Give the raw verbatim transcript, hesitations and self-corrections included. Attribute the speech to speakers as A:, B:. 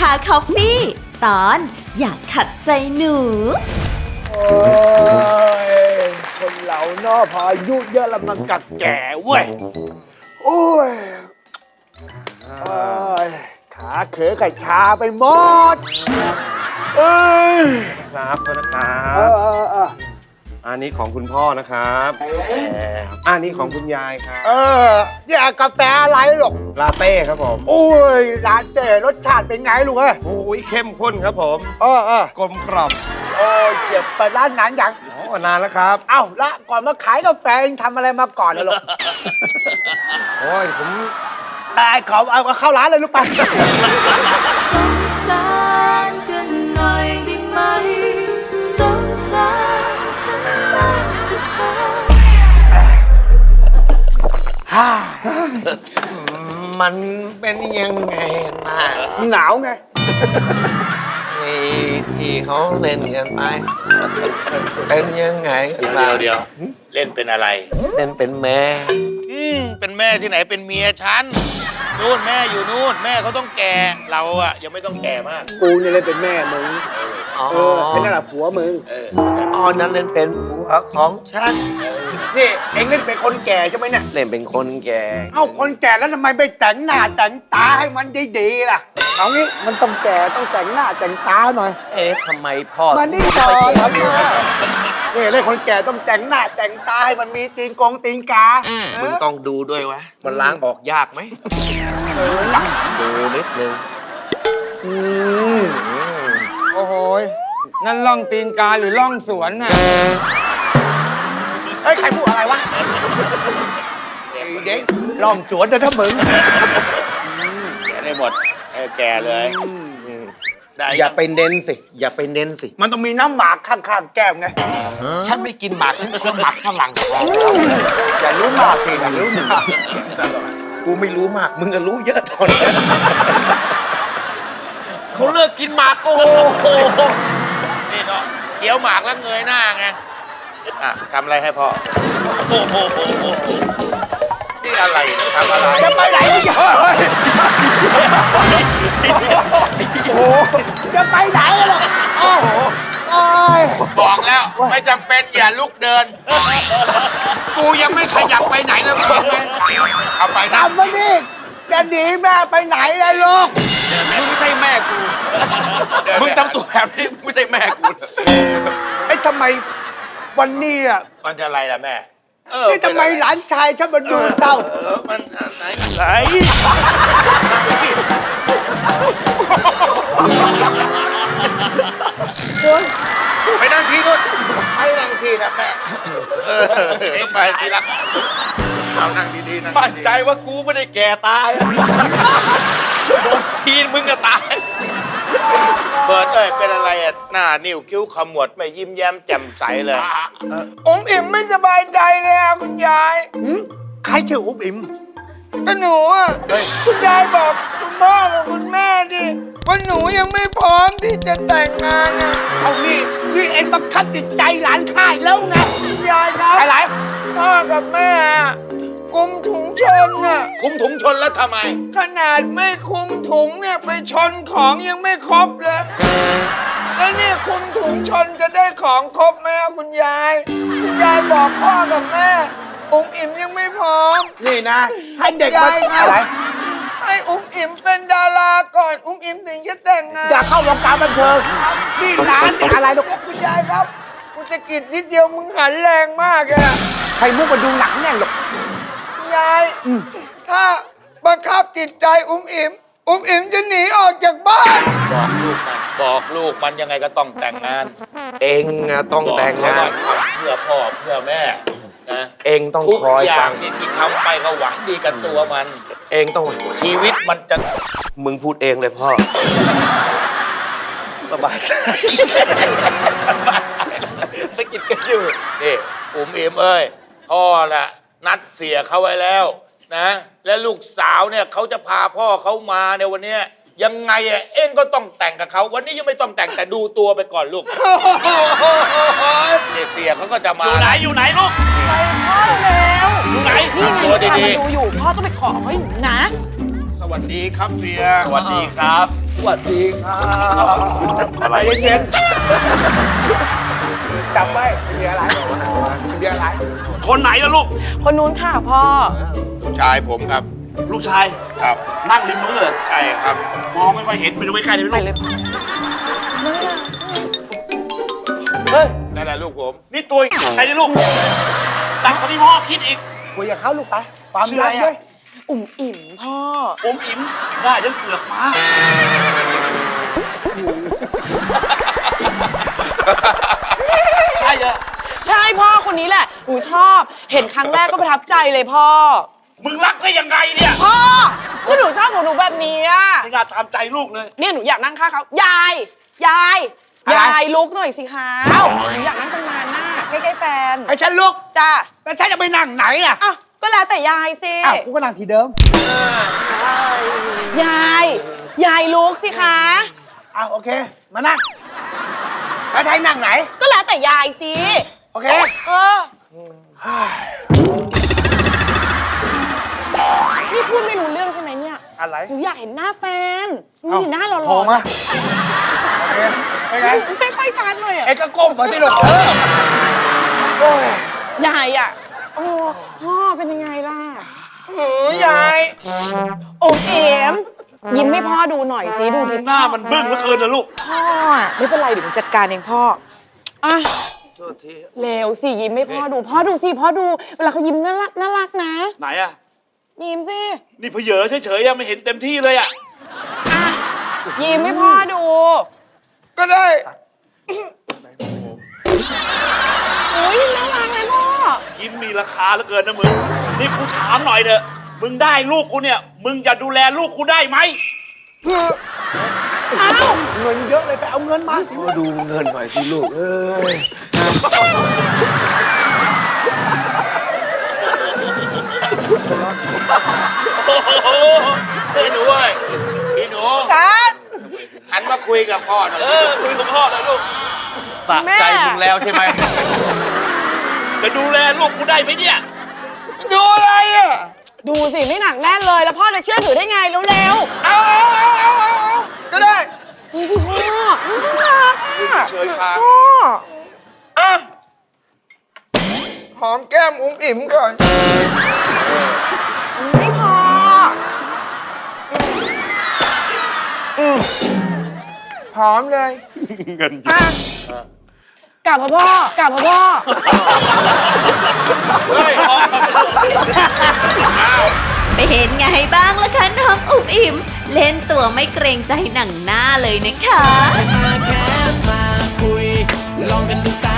A: าคอฟฟี่ตอนอยากขัดใจหนู
B: โอ้ยคนเหล่านอพออายุเยอะแล้วมันกัดแก่เว้ยโอ้ยโอ้ยขาเขอกับชาไปหมดเอ้ย
C: ครับโทษนะครั
B: เอบ อเออเออ
C: อันนี้ของคุณพ่อนะครับอันนี้ของคุณยายครับ
B: เออนี่กาแฟอะไรหรอก
C: ลาเต้ครับผม
B: โอ้ยร้านเจ๋รสชาติเป็นไงลูกเอ้ย
C: โอ้ยเข้มข้นครับผม
B: เออเออก
C: ลมกล่อม
B: โอ้ยเจ็บไปร้านนั้นยัง
C: โอ้นานแล้วครับ
B: เอ้าละก่อนมาขายกาแฟเองทำอะไรมาก่อนนะลูก
C: โอ้ยผม
B: ไอ้ขอเอาเข้าร้านเลยลูกไป
A: สงสารกันหน่อยได้ไหมสงสารฉันบ้างสิเธอ
D: มันเป็นยังไงมา
B: หนาวไง
D: ไอ้ที่เขาเล่นกันไปเป็นยังไงกันมา
E: เดี๋ยวเล่นเป็นอะไร
D: เล่นเป็นแม่
E: อืมเป็นแม่ที่ไหนเป็นเมียฉันนู่นแม่อยู่นู่นแม่เขาต้องแก่เราอะยังไม่ต้องแก่มาก
B: กูเนี่ยเลยเป็นแม่มึง
D: อ๋อ
B: เออเป็นนั่นแหละผัวมึง
E: เออ
D: อ๋อนั้นเล่นเป็นผัวของฉัน
B: นี่เอ็งเล่นเป็นคนแก่ใช่ไหมเนี่ย
D: เล่นเป็นคนแก่
B: เอ้าคนแก่แล้วทำไมไม่แต่งหน้าแต่งตาให้มันดีๆล่ะ เอางี้มันต้องแก่ต้องแต่งหน้าแต่งตาหน่อย
D: เอ๊ะทำไมพ่อ
B: มานี่
D: ถึง
B: ก่อ
D: ไม่
B: นครับนี่เล่นคนแก่ต้องแต่งหน้าแต่งตาให้มันมีตีนกงตีนกา
D: มึงต้องดูด้วยวะมันล้างออกยากไหม
B: เออ
D: ดูนิดนึง
B: อืม
D: อืม
F: โอ้โหยนั่นล่องตีนกาหรือล่องสวนน่ะ
B: เฮ้ยใครพูดอะไรวะไอ้เด็กลองสวนนะถ้ามึง
E: แก่ได้หมดเออแก่เลยได้
D: อย่าไปเน้นสิ อย่าไปเน้นสิ
B: มันต้องมีน้ำหมากข้างๆแก้มไง
D: ฉันไม่กินหมากฉันกินหมากข้างหลัง
B: อย่ารู้มากสิอย่ารู้มาก
D: กูไม่รู้มาก มึงก็รู้เยอะตอนนี้เขาเลิกกินหมากโอ้โห
E: นี่เนาะเคี้ยวหมากแล้วเงยหน้าไงอ่ะทำอะไรให้พ่อโอ้โหนี่อะไรเนี่ยทำอะไร
B: จะไปไหนวะเนี่ยโอ้โหจะไปไหนกันหรอโอ้โหโอ้ย
E: บอกแล้วไม่จำเป็นอย่าลุกเดิน กูยังไม่ขยับไปไหนเลยบอกไหมเอาไปนะ
B: ทำมาดิจะหนีแม่ไปไหนล่ะลูก
D: มึงไม่ใช่แม่กู มึงทำตัวแบบนี้มึงไม่ใช่แม่กู
B: ไอ้ทำไมวันนี้อ่ะ
E: มันจะอะไรล่ะแม่เออ
B: นี่ทำไมหลานชายฉันมาดูเศร้า
E: เออมันอะไรอะไรไปนั่งที่นู่นไปนั่งที่นะแม่เออไปที่รักเอานั่งดีๆนั่ง
D: มั่นใจว่ากูไม่ได้แก่ตายโดนทีนมึงก็ตาย
E: เบิร์ดเอ้ยเป็นอะไรอ่ะหน้านิ้วคิ้วขมวดไม่ยิ้มแย้มแจ่มใสเลย
F: องอิ่มไม่สบายใจเลยอ่ะคุณยาย
B: หืมใครชื่ออุ๊บอิ๋ม
F: ก็หนูอ่ะคุณยายบอกคุณพ่อกับคุณแม่ดิว่าหนูยังไม่พร้อมที่จะแต่งงานอ่ะ
B: เอานี่นี่เองบังคับจิตใจหลานข้าอีกแล้วไง
F: คุณยายครับ
B: อะไร
F: พ่อกับแม่อะกุมถุงชนอ่ะ
E: คุมถุงชนแล้วทำไม
F: ขนาดไม่คุมถุงเนี่ยไปชนของยังไม่ครบเลย แล้วเนี่ยคุมถุงชนจะได้ของครบไหมอะคุณยาย คุณยายบอกพ่อกับแม่อุ้มอิ่มยังไม่พร้อม
B: นี่นะ ให้เด็กมาย
F: ายครับ
B: อะไร
F: ให้อุ้มอิ่มเป็นดาราก่อนอุ้มอิ่มถึงจะแต่งงาน
B: อยากเข้าวงการบันเทิงนี่ร้านอะไรลูก
F: คุณยายครับกูจะกิดนิดเดียวมึงหันแรงมากเลยอะ
B: ใครมุกมาดูหนังแน่งหรอก
F: คุณยายถ้าบังคับจิตใจอุ้มอิ่มอุ้มอิ่มจะหนีออกจากบ้าน
E: บอกลูกมันบอกลูกมันยังไงก็ต้องแต่งงาน
D: เองอะต้องแต่ง
E: บอก
D: งา
E: เข
D: น
E: ว่ทำเพื่อพ่อเพื่อแม่นะ
D: เองต้อง
E: ทุก
D: คอย
E: อย่า
D: ฟั
E: ง
D: ง
E: นี่ที่ทำไปก็หวังดีกับตัวมัน
D: เองต้อง
E: ชีวิตมันจะ
D: มึงพูดเองเลยพ่อ
E: สบายใจสกิดกันอยู่นี่อุ๋มอิ๋มเอ้ยพ่อน่ะนัดเสียเขาไว้แล้วนะ และลูกสาวเนี่ยเขาจะพาพ่อเขามาในวันเนี้ยยังไงอ่ะเอ็งก็ต้องแต่งกับเขาวันนี้ยังไม่ต้องแต่งแต่ดูตัวไปก่อนลูกเนี่ยเสียเขาก็จะมา
G: อยู่ไหนอยู่ไหนลูก
H: ไปพ่อแล้ว
G: อยู่ไหน
H: นี่ไง
E: ตัว
H: กำลัง
E: ดี
H: ดูอยู่ พ่อต้องไปขอเขาอยู่นะ
E: ๆสวัสดีครับเสีย
G: สวัสดีครับ
B: สวัสดีครับ
C: อะไร
B: ใจเย็นๆจำไว้ไม่มีอะไรไม่มีอะไร
G: คนไหนล่ะลูก
H: คนนู้นค่ะพ่อ
E: ลูกชายผมครับ
G: ลูกชาย
E: ครับ
G: นั่งริมมือเลย
E: ใช่ครับ
G: มองไม่ค่อยเห็นไปดูใกล้ๆได้ไหม
H: ไป
G: ลูก
H: เลยพ่อ
G: เฮ้ย
E: นั่นแหละลูกผม
G: นี่ตัวใครนี่ลูกดังกว่าที่พ่อคิดอีก
B: คุยกับเขาลูกไปความ
G: ชื่อ
B: รั
G: อะ
B: ก
G: ไรอะ
B: ด้วย
H: อุ่มอิ่มพ่อ
G: อมอิ๋มหน้ายังเสือกมาใช่เหรอ
H: ใช่พ่อคนนี้แหละหนูชอบ เห็นครั้งแรกก็ประทับใจเลยพ่อ
G: มึงรักได้ยังไงเนี่ย
H: พ่อก็หนูชอบหนูหนูแบบนี้อะ
G: ไม่น่าตามใจลูกเลย
H: เนี่ยหนูอยากนั่งข้างเขายาย ยาย
B: อะไร
H: ยายลุกหน่อยสิคะ
B: เอ้า
H: หนูอยากนั่งตรงนั้นน่ะใกล้ๆแฟน
B: ไอ้ฉันลุก
H: จ้า
B: แล้วฉันจะไปนั่งไหนอ่ะ
H: อ้าวก็แล้วแต่ยายสิ
B: อ้าวกูก็นั่งที่เดิม
H: ยาย ยายลุกสิคะ
B: อ้าวโอเค มานั่งแล้วไทยนั่งไหน
H: ก็แล้วแต่ยายสิ
B: โอเค
H: เออ นี่พูดไม่รู้เรื่องใช่ไหมเนี่ย
B: อะไร
H: หนูอยากเห็นหน้าแฟนหนูเห็นหน้าหล่อๆ
B: โผล่มาโอเคเป็นไง
H: ไม่ค่อยชัดเลยอ่ะ
B: เอ็กก็ก้มมาที่ลูกเออโอ้ย
H: ยายอ่ะ โอ้พ่อเป็นยังไงล่ะ
F: หือยาย
H: โอเอ็มยิ้มให้พ่อดูหน่อยสิดูดิ
G: หน้ามันบึ้งเหลือเกินนะลูก
H: พ่ออะไม่เป็นไรเดี๋ยวหนูจัดการเองพ่ออ่ะเร็วสิยิ้มให้พ่อดู พ่อดูสิพ่อดู เวลาเขายิ้มน่ารักน่ารักนะ
G: ไหนอะ
H: ยิ้มสิ
G: นี่เพเยอเฉยๆยังไม่เห็นเต็มที่เลยอะ
H: ยิ้มให้พ่อดู
F: ก็ได้
H: โอ้ยน่ารักเลยพ่อ
G: ยิ้มมีราคาเหลือเกินนะมึง นี่กูถามหน่อยเถอะ มึงได้ลูกกูเนี่ย มึงจะดูแลลูกกูได้ไหม
H: อ้าว
B: เงินเยอะเลยไปเอาเงินมา
D: มาดูเงินหน่อยสิลูก เอ้ย
E: พี่หนูเอ้ยพี่หนู
H: ครับ
E: หันมาคุยกับพ่อหน่อย
G: เออคุยกับพ่อหน่อยลูก
D: สะใจมึงแล้วใช่ไหม
G: จะดูแลลูกกูได้ไหมเนี่ย
F: ดูอะไรอ่ะ
H: ดูสิไม่หนักแน่นเลย แล้วพ่อจะเชื่อถือได้ไงเร็ว
F: เอาเอาเอาเอาเอาเอาก็ได้
H: ๆนี่สิพ่อน่ารักอะ
G: เฉยค้าง
H: พ่อ
F: อ่ะ หอมแก้มอุ้มอิ่มก่อน
H: ไม่พอ
F: หอมเลย
G: เงิน
H: อ่ะกลับมาพ่อกลับมาพ่อ
E: เฮ้ย
A: เป็นไงบ้างล่ะคะน้องอุ๋มอิ่ม เล่นตัวไม่เกรงใจหนังหน้าเลยนะคะ
I: มาแคสมาคุย ลองกันดูสั